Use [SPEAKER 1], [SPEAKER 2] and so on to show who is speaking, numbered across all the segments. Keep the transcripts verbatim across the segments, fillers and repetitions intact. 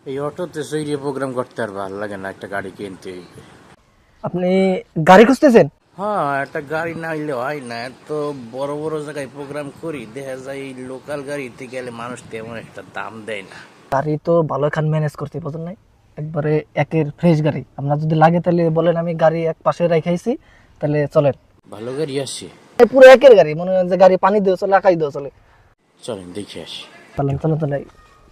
[SPEAKER 1] এই অটোতে সইরে প্রোগ্রাম করতে আর ভালো লাগে না, একটা গাড়ি কিনতে হইবে।
[SPEAKER 2] আপনি গাড়ি খুঁজতেছেন?
[SPEAKER 1] হ্যাঁ, একটা গাড়ি না হইলে হয় না। এত বড় বড় জায়গায় প্রোগ্রাম করি, দেখা যায় এই লোকাল গাড়িতে গেলে মানুষ তেমন একটা দাম দেয় না।
[SPEAKER 2] গাড়ি তো ভালো খান ম্যানেজ করতে বুঝুন নাই, একবারে একের ফ্রেশ গাড়ি। আপনার যদি লাগে তাহলে বলেন, আমি গাড়ি এক পাশে রাখাইছি, তাহলে চলেন।
[SPEAKER 1] ভালো গাড়ি আছে?
[SPEAKER 2] এই পুরো একের গাড়ি, মনে হয় যে গাড়ি পানি দিয়েও চলে, আকাশ দিয়েও চলে।
[SPEAKER 1] চলেন দেখে আসি।
[SPEAKER 2] চলেন চলেন চলেন।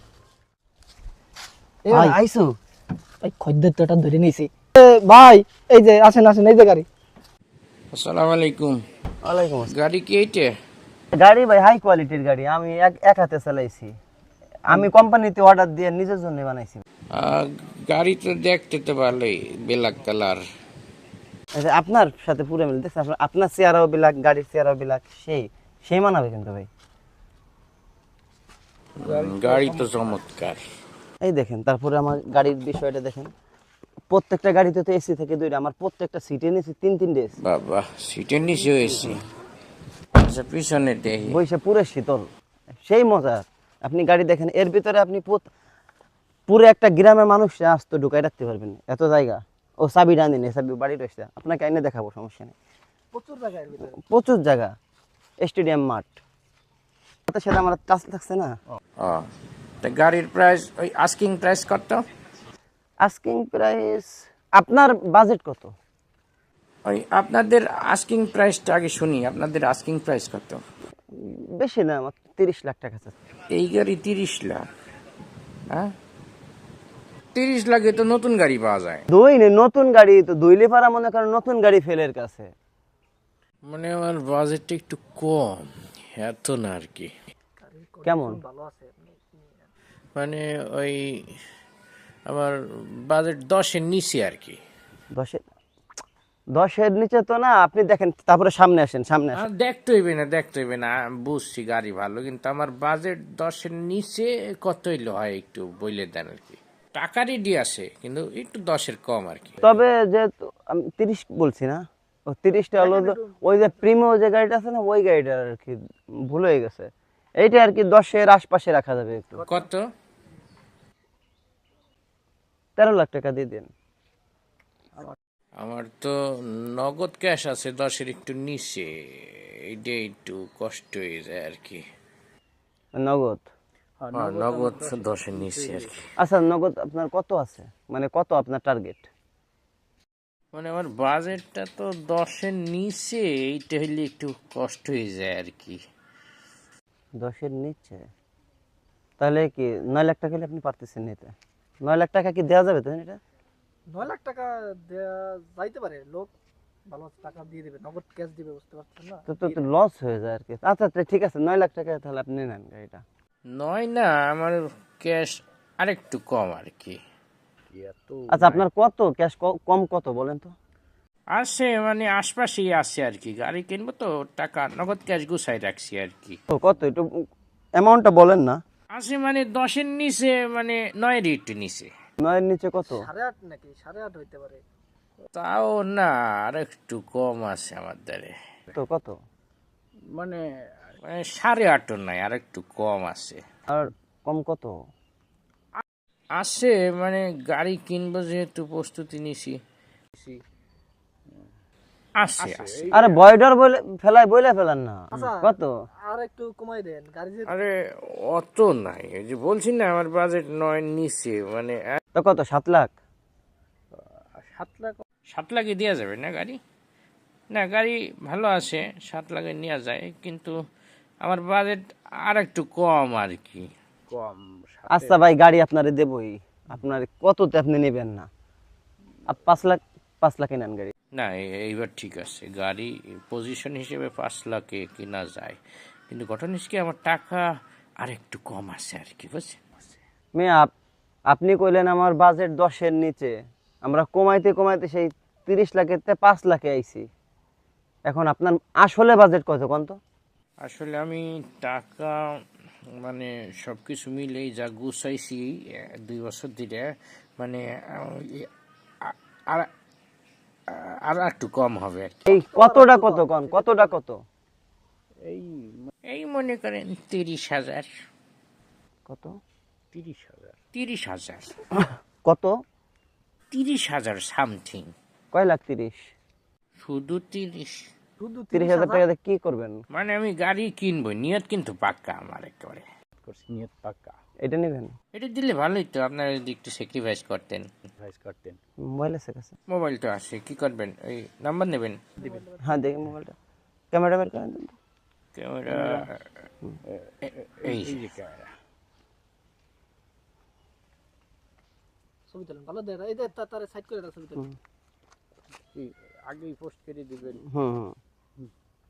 [SPEAKER 3] এ
[SPEAKER 2] ভাই।
[SPEAKER 3] আইসো?
[SPEAKER 2] ভাই খদ্দের তো এটা ধরে নিয়েছি। ভাই এই যে আসেন আসেন, এই যে গাড়ি।
[SPEAKER 1] আসসালামু আলাইকুম।
[SPEAKER 3] ওয়ালাইকুম আসসালাম।
[SPEAKER 1] গাড়ি কি এইটা?
[SPEAKER 3] গাড়ি ভাই হাই কোয়ালিটির গাড়ি, আমি এক এক হাতে চালাইছি। আমি কোম্পানিতে অর্ডার দিয়ে নিজের জন্য বানাইছি।
[SPEAKER 1] আহ, গাড়ি তো দেখতে তো ভালোই, ব্ল্যাক কালার।
[SPEAKER 3] আচ্ছা, আপনার সাথে পুরো মিল দেখছেন, আপনার আপনার চেয়ারও বিলাক, গাড়ির চেয়ারও বিলাক, সেই সেই মানাবে কিন্তু ভাই।
[SPEAKER 1] গাড়ি তো চমৎকার।
[SPEAKER 3] এই দেখেন, তারপরে আমার গাড়ির বিষয়টা দেখেন। প্রত্যেকটা গাড়িতে তো এসি থেকে দুইটা, আমার প্রত্যেকটা সিটে নিয়েছি তিন তিনটে এসি।
[SPEAKER 1] বাবা, সিটের নিচে হয়েছি। আচ্ছা, পিছনে দেখি।
[SPEAKER 3] বইসে পুরো শীতল, সেই মজা। আপনি গাড়ি দেখেন, এর ভিতরে আপনি পুত- পুরো একটা গ্রামের মানুষ আসতো ঢুকাই রাখতে পারবেন, এত জায়গা। ও চাবি ডান দিন, চাবি বাড়ি রয়েছে, আপনাকে আইনে দেখাবো, সমস্যা নেই।
[SPEAKER 2] প্রচুর জায়গায় ভিতরে।
[SPEAKER 3] প্রচুর জায়গা, স্টেডিয়াম মাঠ। তাতে সেটা আমার কাছে থাকছে না।
[SPEAKER 1] ও, তা গাড়ির প্রাইস, ওই আস্কিং প্রাইস কত?
[SPEAKER 3] আস্কিং প্রাইস, আপনার বাজেট কত?
[SPEAKER 1] ওই আপনাদের আস্কিং প্রাইসটা আগে শুনি, আপনাদের আস্কিং প্রাইস কত?
[SPEAKER 3] বেশি না, আমার তিরিশ লাখ টাকা চাচ্ছে।
[SPEAKER 1] এই গাড়ি তিরিশ লাখ? হ্যাঁ, তিরিশ লাখে তো নতুন গাড়ি পাওয়া যায়।
[SPEAKER 3] দুই নে, নতুন গাড়ি তো দুই লিফারা, মনে করেন নতুন গাড়ি ফেলের কাছে।
[SPEAKER 1] মানে আমার বাজেটটা একটু কম, এত না আর কি।
[SPEAKER 3] কেমন?
[SPEAKER 2] ভালো আছে।
[SPEAKER 1] মানে ওই আমার বাজেট দশের নিচে আর কি।
[SPEAKER 3] দশের দশের নিচে তো না, আপনি দেখেন, তারপরে সামনে আসেন, সামনে
[SPEAKER 1] আর
[SPEAKER 3] আসেন।
[SPEAKER 1] দেখতে হইবে না, দেখতে হইবে না, বুঝছি গাড়ি ভালো, কিন্তু আমার বাজেট দশের নিচে কত হইলে হয় একটু বইলে দেন আর কি। টাকা রেডি আছে, কিন্তু একটু দশের কম আর কি।
[SPEAKER 3] তবে যেহেতু আমি তিরিশ বলছি না, ও তিরিশটা হলো যে ওই যে প্রিমো যে গাড়িটা আছে না, ওই গাড়িটা আর কি ভুল হয়ে গেছে। এইটা আর কি দশের আশপাশে রাখা যাবে একটু।
[SPEAKER 1] কত?
[SPEAKER 3] তেরো লাখ টাকা দিয়ে দেন।
[SPEAKER 1] আমার তো নগদ ক্যাশ আছে দশের একটু নিচে, এইটা একটু কষ্ট হয়ে যায় আর কি।
[SPEAKER 3] নগদ?
[SPEAKER 1] হ্যাঁ, নগদ দশের নিচে আর কি।
[SPEAKER 3] আচ্ছা, নগদ আপনার কত আছে, মানে কত আপনার টার্গেট?
[SPEAKER 1] মানে আমার বাজেটটা তো দশের নিচে, এইটা হইলে একটু কষ্ট হয়ে যায় আর কি।
[SPEAKER 3] দশের নিচে? তাহলে কি নয় লাখ টাকা হলে আপনি পারতেছেন নিতে? নয় লাখ টাকা কি দেওয়া যাবে তো এটা?
[SPEAKER 2] নয় লাখ টাকা দেয়া যাইতে পারে, লোক ভালো টাকা দিয়ে দেবে, নগদ ক্যাশ দিবে, বুঝতে পারছেন না?
[SPEAKER 3] তো তো লস হয়ে যায় আর কি। আচ্ছা আচ্ছা, ঠিক আছে, নয় লাখ টাকা তাহলে আপনি নেন গাড়িটা।
[SPEAKER 1] নয় না, আমার ক্যাশ আরেকটু কম আর কি।
[SPEAKER 3] আচ্ছা, আপনার কত ক্যাশ, কম কত বলেন তো?
[SPEAKER 1] আছে মানে আশপাশেই আছে আর কি, গাড়ি কিনবো তো, টাকা নগদ ক্যাশ গুছাই রাখছি আর কি।
[SPEAKER 3] তো কত একটু অ্যামাউন্টটা বলেন না।
[SPEAKER 1] আছে মানে দশের নিচে, মানে নয়ের একটু নিচে।
[SPEAKER 3] নয়ের নিচে কত?
[SPEAKER 2] সাড়ে আট নাকি সাড়ে আট হইতে পারে।
[SPEAKER 1] তাও না, আর একটু কম আছে আমার দ্বারে।
[SPEAKER 3] তো কত?
[SPEAKER 1] মানে মানে সাড়ে আটও নাই, আর একটু কম আছে।
[SPEAKER 3] আর কম কত?
[SPEAKER 1] আছে মানে গাড়ি কিনবো যেহেতু প্রস্তুতি নিছি, আছে আছে।
[SPEAKER 3] আরে বয়ডার বলে ফেলাই, বলে ফেলান না। কত?
[SPEAKER 2] আর একটু কমাই দেন, গাড়ি যে
[SPEAKER 1] আরে অত নাই, ওই যে বলছি না আমার বাজেট নয় নিচে, মানে এক-
[SPEAKER 3] তো কত, সাত লাখ?
[SPEAKER 1] সাত লাখ। সাত লাখে দেওয়া যাবে না গাড়ি? না, গাড়ি ভালো আছে, সাত লাখে নেওয়া যায়, কিন্তু আমার বাজেট আর একটু কম আর কি। কম।
[SPEAKER 3] আচ্ছা ভাই, গাড়ি আপনারে দেবই, আপনার কততে আপনি নেবেন না? আপ পাঁচ লাখ, পাঁচ লাখে নেন গাড়ি।
[SPEAKER 1] না, এ- এইবার ঠিক আছে, গাড়ি পজিশন হিসেবে পাঁচ লাখে কেনা যায়, কিন্তু ঘটনা হচ্ছে কি আমার টাকা আর একটু কম আছে আর কি, বুঝছেন?
[SPEAKER 3] মেয়ে আপ আপনি কইলেন আমার বাজেট দশের নিচে, আমরা কমাইতে কমাইতে সেই তিরিশ লাখের তে পাঁচ লাখে আইছি। এখন আপনার আসলে বাজেট কত কোন তো?
[SPEAKER 1] আসলে আমি টাকা মানে সব কিছু মিলেই যা গুছাইছি এ, দুই বছর ধরে, মানে আহ, ই- আ- আর আর একটু কম হবে আর কি।
[SPEAKER 3] এই কতটা কত কোন, কতটা কত?
[SPEAKER 1] এই মনে করেন তিরিশ হাজার।
[SPEAKER 3] কত?
[SPEAKER 1] তিরিশ হাজার। তিরিশ হাজার
[SPEAKER 3] কত?
[SPEAKER 1] তিরিশ হাজার সামথিং।
[SPEAKER 3] কয় লাখ তিরিশ?
[SPEAKER 1] শুধু তিরিশ।
[SPEAKER 2] শুধু
[SPEAKER 3] তিরিশ হাজার টাকা দিয়ে কি করবেন?
[SPEAKER 1] মানে আমি গাড়ি কিনবো, নিয়ত কিন্তু পাক্কা আমার একেবারে।
[SPEAKER 4] করছি নিয়ত পাক্কা
[SPEAKER 3] এটা নেবেন?
[SPEAKER 1] এটা দিলে ভালোই তো, আপনারা যদি একটু স্যাক্রিফাইস করতেন।
[SPEAKER 4] ভাইস করতেন।
[SPEAKER 3] মোবাইল আছে কাছে?
[SPEAKER 1] মোবাইল তো আছে, কি করবেন, এই নাম্বার নেবেন?
[SPEAKER 3] হ্যাঁ দেখি মোবাইলটা, ক্যামেরা বের করেন।
[SPEAKER 1] ক্যামেরা এই
[SPEAKER 4] এই যে ক্যামেরা
[SPEAKER 2] ছবি তোলেন ভালো দেয় এই যে তারে সাইড করে দাও ছবি তোলেন
[SPEAKER 4] কি আগেই পোস্ট করে দিবেন।
[SPEAKER 3] হুম হুম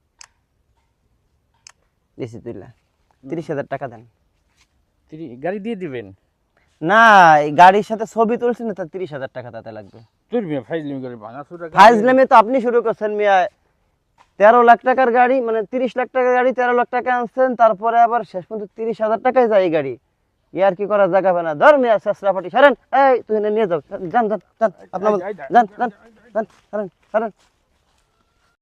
[SPEAKER 3] দিছি তুইলা তিরিশ হাজার টাকা দেন।
[SPEAKER 4] তিরি- গাড়ি দিয়ে দিবেন?
[SPEAKER 3] না, এই গাড়ির সাথে ছবি তুলছি না, তার তিরিশ হাজার টাকা তাতে লাগবে।
[SPEAKER 4] তোর মিয়া ফাইজলিমি করে ভাঙা চুরা
[SPEAKER 3] ফাইজলামি তো আপনি শুরু করছেন মিয়া। তেরো লাখ টাকার গাড়ি, মানে তিরিশ লাখ টাকার গাড়ি তেরো লাখ টাকা আনছেন, তারপরে আবার শেষ পর্যন্ত তিরিশ হাজার টাকায় যায় এই গাড়ি। ইয়ার কি করা জায়গা না, ধর মিয়া শেষরা ফাটি সারেন। এই তুই এনে নিয়ে যাও, যান যান যান আপনার যান যান যান সারেন সারেন